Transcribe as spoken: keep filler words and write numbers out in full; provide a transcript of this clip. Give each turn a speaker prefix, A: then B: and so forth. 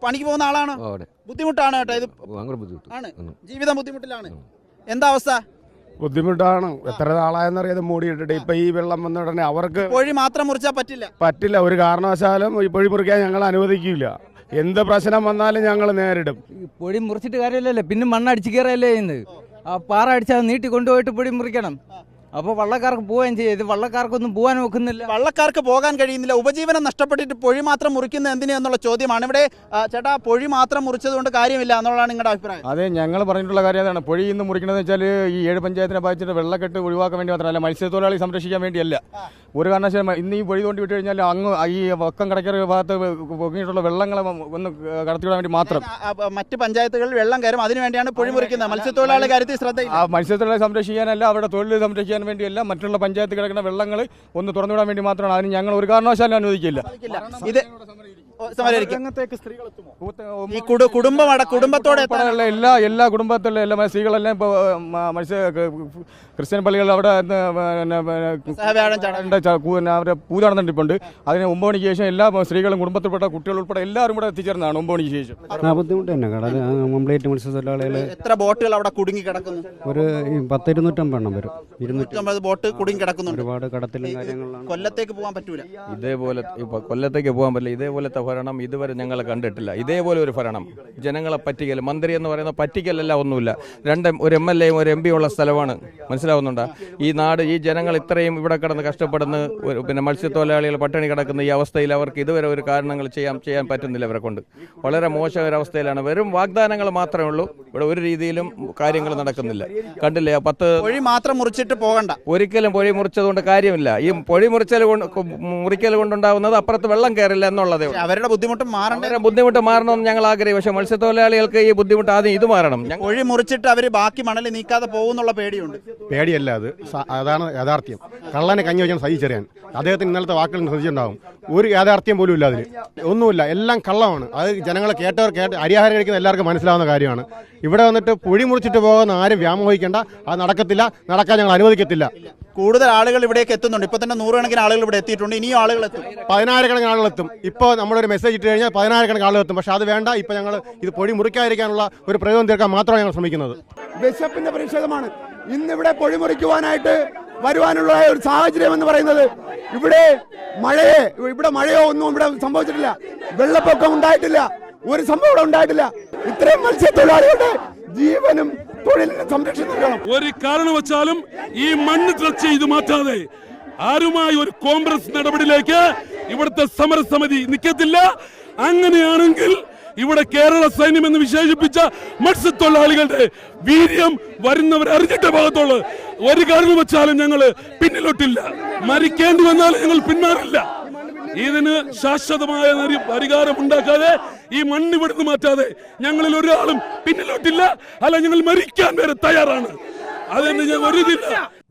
A: പണിക്ക് പോകുന്ന ആളാണോ? ബുദ്ധിമുട്ടാണ് കേട്ടോ ഇത് ആണ്, ജീവിതം ബുദ്ധിമുട്ടിലാണ്. എന്താ അവസ്ഥ?
B: ബുദ്ധിമുട്ടാണ്. എത്ര നാളായെന്നറിയാതെ മൂടിയിട്ടിട്ട് ഇപ്പൊ ഈ വെള്ളം വന്ന ഉടനെ അവർക്ക്
A: പൊഴി മാത്രം മുറിച്ചാൽ പറ്റില്ല
B: പറ്റില്ല ഒരു കാരണവശാലും ഈ പൊഴി മുറിക്കാൻ ഞങ്ങൾ അനുവദിക്കില്ല. എന്ത് പ്രശ്നം വന്നാലും ഞങ്ങൾ നേരിടും.
C: പൊടി മുറിച്ചിട്ട് കാര്യമില്ലല്ലേ, പിന്നെ മണ്ണടിച്ച് കയറല്ലേ ചെയ്യുന്നത്. ആ പാറ അടിച്ചാൽ നീട്ടി കൊണ്ടുപോയിട്ട് പൊടി മുറിക്കണം. അപ്പോൾ വള്ളക്കാർക്ക് പോവുകയും ചെയ്യും. ഇത് വള്ളക്കാർക്കൊന്നും പോകാൻ നോക്കുന്നില്ല.
A: വള്ളക്കാർക്ക് പോകാൻ കഴിയുന്നില്ല. ഉപജീവനം നഷ്ടപ്പെട്ടിട്ട് പൊഴി മാത്രം മുറിക്കുന്നത് എന്തിനാ എന്നുള്ള ചോദ്യമാണ് ഇവിടെ. ചേട്ടാ, പൊഴി മാത്രം മുറിച്ചത് കൊണ്ട് കാര്യമില്ല എന്നുള്ളതാണ് നിങ്ങളുടെ അഭിപ്രായം?
D: അതെ, ഞങ്ങൾ പറഞ്ഞിട്ടുള്ള കാര്യം അതാണ്. പൊഴി ഇന്ന് മുറിക്കുന്നത് വെച്ചാൽ ഈ ഏഴ് പഞ്ചായത്തിനെ ബാധിച്ചിട്ട് വെള്ളക്കെട്ട് ഒഴിവാക്കാൻ വേണ്ടി മാത്രമല്ല, മത്സ്യത്തൊഴിലാളി സംരക്ഷിക്കാൻ വേണ്ടിയല്ല. ഒരു കാരണവശാലും ഇന്ന് ഈ പൊഴി തോണ്ടി വിട്ട് കഴിഞ്ഞാൽ അങ്ങ് ഈ വക്കം കടക്കര ഭാഗത്ത് പൊങ്ങിയിട്ടുള്ള വെള്ളങ്ങളെ ഒന്ന് കടത്തിവിടാൻ വേണ്ടി മാത്രം.
A: മറ്റ് പഞ്ചായത്തുകളിൽ വെള്ളം കയറും, അതിനുവേണ്ടിയാണ് പൊഴി മുറിക്കുന്നത്. മത്സ്യത്തൊഴിലാളി കാര്യത്തിൽ ശ്രദ്ധ
D: മത്സ്യത്തൊഴിലാളി സംരക്ഷിക്കാനല്ല, അവരുടെ തൊഴിൽ സംരക്ഷിക്കാൻ വേണ്ടിയല്ല, മറ്റുള്ള പഞ്ചായത്ത് കിടക്കുന്ന വെള്ളങ്ങൾ ഒന്ന് തുറന്നുവിടാൻ വേണ്ടി മാത്രമാണ്. അതിന് ഞങ്ങൾ ഒരു കാരണവശാലും അനുവദിക്കില്ല. ഇത് ഈ കുടുംബം കുടുംബത്തോടെ എല്ലാ എല്ലാ കുടുംബത്തിലെ എല്ലാ സ്ത്രീകളെല്ലാം ഇപ്പോൾ മത്സ്യ ക്രിസ്ത്യൻ പള്ളികൾ അവിടെ അവരെ പൂജ നടന്നിട്ടുണ്ട്. അതിന് ഒമ്പത് മണിക്ക് ശേഷം എല്ലാ സ്ത്രീകളും കുടുംബത്തിൽപ്പെട്ട കുട്ടികൾ ഉൾപ്പെടെ എല്ലാവരും കൂടെ എത്തിച്ചേർന്നതാണ് ഒമ്പത് മണിക്ക് ശേഷം.
E: ബുദ്ധിമുട്ട് തന്നെ കടൽ കംപ്ലീറ്റ് മത്സ്യത്തൊഴിലാളികൾ.
A: എത്ര ബോട്ടുകൾ അവിടെ കുടുങ്ങി കിടക്കുന്നു?
E: ഒരു പത്ത് ഇരുന്നൂറ്റമ്പത് എണ്ണം വരും.
A: ഇരുന്നൂറ്റമ്പത് ബോട്ട് കുടുങ്ങി കിടക്കുന്നു.
E: ഒരുപാട് കടത്തിലും കാര്യങ്ങളാണ്.
A: കൊല്ലത്തേക്ക് പോകാൻ പറ്റൂല.
F: ഇതേപോലെ കൊല്ലത്തേക്ക് പോകാൻ പറ്റില്ല. ഇതേപോലത്തെ ഭരണം ഇതുവരെ ഞങ്ങൾ കണ്ടിട്ടില്ല. ഇതേപോലെ ഒരു ഭരണം, ജനങ്ങളെ പറ്റിക്കൽ, മന്ത്രി എന്ന് പറയുന്ന പറ്റിക്കലല്ല, ഒന്നുമില്ല. രണ്ട് ഒരു എം എൽ എയും ഒരു എം പി ഉള്ള സ്ഥലമാണ്, മനസ്സിലാവുന്നുണ്ടോ? ഈ നാട്, ഈ ജനങ്ങൾ ഇത്രയും ഇവിടെ കിടന്ന് കഷ്ടപ്പെടുന്ന, പിന്നെ മത്സ്യത്തൊഴിലാളികൾ പട്ടിണി കിടക്കുന്ന ഈ അവസ്ഥയിൽ അവർക്ക് ഇതുവരെ ഒരു കാരണങ്ങൾ ചെയ്യാൻ ചെയ്യാൻ പറ്റുന്നില്ല. അവരെ കൊണ്ട് വളരെ മോശകരവസ്ഥയിലാണ്. വെറും വാഗ്ദാനങ്ങൾ മാത്രമേ ഉള്ളൂ. ഇവിടെ ഒരു രീതിയിലും കാര്യങ്ങൾ നടക്കുന്നില്ല. കണ്ടില്ലേ, പത്ത്
A: പൊഴി മാത്രം മുറിച്ചിട്ട് പോകണ്ട.
F: ഒരിക്കലും പൊഴി മുറിച്ചതുകൊണ്ട് കാര്യമില്ല. ഈ പൊഴി മുറിച്ചൽ കൊണ്ട് മുറിക്കൽ കൊണ്ടുണ്ടാവുന്നത് അപ്പുറത്ത് വെള്ളം കയറില്ല എന്നുള്ളതേ.
A: അവരുടെ ബുദ്ധിമുട്ട് മാറേണ്ട
F: ബുദ്ധിമുട്ട് മാറണമെന്ന് ഞങ്ങൾ ആഗ്രഹിക്കും. പക്ഷേ മത്സ്യത്തൊഴിലാളികൾക്ക് ഈ ബുദ്ധിമുട്ട് ആദ്യം ഇത് മാറണം.
A: പൊഴി മുറിച്ചിട്ട് അവർ ബാക്കി മണൽ നീക്കാതെ പോകുന്നുള്ള പേടിയുണ്ട്.
B: പേടിയല്ല, അത് അതാണ് യാഥാർത്ഥ്യം. കള്ളനെ കഞ്ഞി വെച്ചാൽ സഹിച്ചറിയാൻ അദ്ദേഹത്തിന് ഇന്നലത്തെ വാക്കുകൾ ശ്രദ്ധിച്ചിട്ടുണ്ടാവും. ഒരു യാഥാർത്ഥ്യം പോലും ഇല്ല, അതിൽ ഒന്നുമില്ല, എല്ലാം കള്ളമാണ്. അത് ജനങ്ങളെ കേട്ടവർ കേട്ട് അരിയാഹാരം കഴിക്കുന്ന എല്ലാവർക്കും മനസ്സിലാവുന്ന കാര്യമാണ്. ഇവിടെ വന്നിട്ട് പൊഴി മുറിച്ചിട്ട് പോകുന്ന ആരും വ്യാമോഹിക്കേണ്ട. അത് നടക്കത്തില്ല, നടക്കാൻ ഞങ്ങൾ അനുവദിക്കത്തില്ല.
A: കൂടുതൽ ആളുകൾ ഇവിടേക്ക് എത്തുന്നുണ്ട്. ഇപ്പൊ തന്നെ നൂറുകണക്കിന് ആളുകൾ ഇവിടെ എത്തിയിട്ടുണ്ട്. ഇനിയും ആളുകൾ എത്തും,
B: പതിനായിരക്കണക്കിന് ആളുകൾ എത്തും. ഇപ്പോൾ നമ്മളൊരു മെസ്സേജ് ഇട്ട് കഴിഞ്ഞാൽ പതിനായിരക്കണക്കിന് ആളുകൾ എത്തും. പക്ഷെ അത് വേണ്ട. ഇപ്പൊ ഞങ്ങൾ ഇത് പൊഴി മുറിക്കാതിരിക്കാനുള്ള ഒരു പ്രയോഗം തീർക്കാൻ മാത്രമാണ് ഞങ്ങൾ ശ്രമിക്കുന്നത്.
G: ബിഷപ്പിന്റെ പ്രതിഷേധമാണ് ഇന്നിവിടെ പൊഴി മുറിക്കുവാനായിട്ട് വരുവാനുള്ള ഒരു സാഹചര്യം എന്ന് പറയുന്നത്. ഇവിടെ മഴയെ ഇവിടെ മഴയോ ഒന്നും ഇവിടെ സംഭവിച്ചിട്ടില്ല. വെള്ളപ്പൊക്കം ഉണ്ടായിട്ടില്ല. ഒരു സംഭവം ഇവിടെ ഉണ്ടായിട്ടില്ല. ഇത്രയും മത്സ്യത്തൊഴിലാളികളുടെ ജീവനും തൊഴിലിനും സംരക്ഷിക്കണം.
H: ഒരു കാരണവശാലും ഈ മണ്ണ് ടച്ച് ചെയ്ത് മാറ്റാതെ ആരുമായി ഒരു കോൺഗ്രസ് നടപടിയിലേക്ക് ഇവിടുത്തെ സമരസമിതി നിൽക്കത്തില്ല. അങ്ങനെയാണെങ്കിൽ ഇവിടെ കേരള സൈന്യം എന്ന് വിശേഷിപ്പിച്ച മത്സ്യത്തൊഴിലാളികളുടെ വീര്യം വരുന്നവർ അറിഞ്ഞിട്ട ഭാഗത്തുള്ളൂ. ഒരു കാരണം വെച്ചാലും ഞങ്ങൾ പിന്നിലോട്ടില്ല. മരിക്കേണ്ടി വന്നാലും ഞങ്ങൾ പിന്മാറില്ല. ഇതിന് ശാശ്വതമായ പരിഹാരം ഉണ്ടാക്കാതെ, ഈ മണ്ണ് ഇവിടുന്ന് മാറ്റാതെ ഞങ്ങളിൽ ഒരാളും പിന്നിലോട്ടില്ല. അല്ല, ഞങ്ങൾ മരിക്കാൻ വരെ തയ്യാറാണ്. അതിന് ഞങ്ങൾ ഒരു ഇതില്ല.